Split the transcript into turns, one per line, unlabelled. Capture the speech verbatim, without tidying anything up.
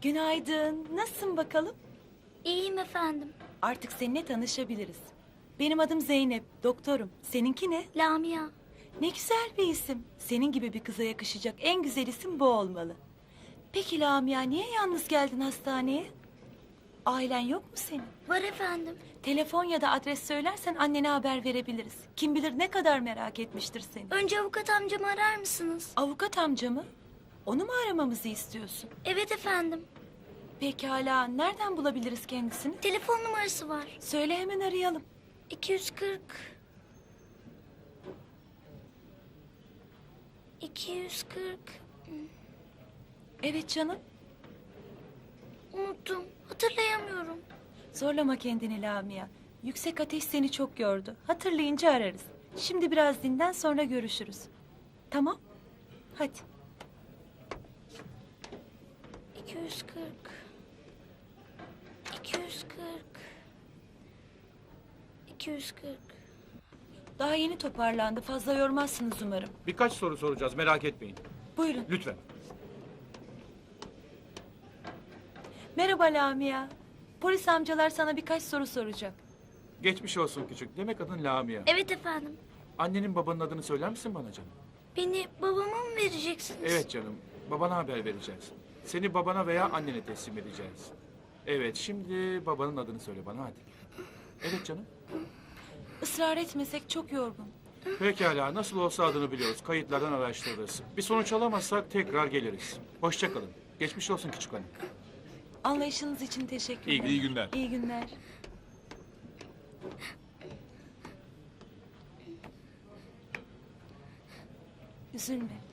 Günaydın. Nasılsın bakalım?
İyiyim efendim.
Artık seninle tanışabiliriz. Benim adım Zeynep, doktorum. Seninki ne?
Lamia.
Ne güzel bir isim. Senin gibi bir kıza yakışacak en güzel isim bu olmalı. Peki Lamia, niye yalnız geldin hastaneye? Ailen yok mu senin?
Var efendim.
Telefon ya da adres söylersen annene haber verebiliriz. Kim bilir ne kadar merak etmiştir seni.
Önce avukat amcamı arar mısınız?
Avukat amca mı? Onu mu aramamızı istiyorsun?
Evet efendim.
Pekala, nereden bulabiliriz kendisini?
Telefon numarası var.
Söyle hemen arayalım.
iki yüz kırk. iki yüz kırk.
Evet canım.
Unuttum. Hatırlayamıyorum.
Zorlama kendini Lamia. Yüksek ateş seni çok yordu. Hatırlayınca ararız. Şimdi biraz dinlen, sonra görüşürüz. Tamam? Hadi.
iki yüz kırk. iki yüz kırk. iki yüz kırk.
Daha yeni toparlandı. Fazla yormazsınız umarım.
Birkaç soru soracağız, merak etmeyin.
Buyurun.
Lütfen.
Merhaba Lamia. Polis amcalar sana birkaç soru soracak.
Geçmiş olsun küçük. Demek adın Lamia.
Evet efendim.
Annenin babanın adını söyler misin bana canım?
Beni babama mı vereceksiniz?
Evet canım. Babana haber vereceğiz. Seni babana veya annene teslim edeceğiz. Evet, şimdi babanın adını söyle bana hadi. Evet canım.
Israr etmesek çok yorgun.
Pekala, nasıl olsa adını biliyoruz. Kayıtlardan araştırırız. Bir sonuç alamazsak tekrar geliriz. Hoşça kalın. Geçmiş olsun küçük hanım.
Anlayışınız için teşekkür
İyi
ederim.
iyi günler.
İyi günler. Üzülme.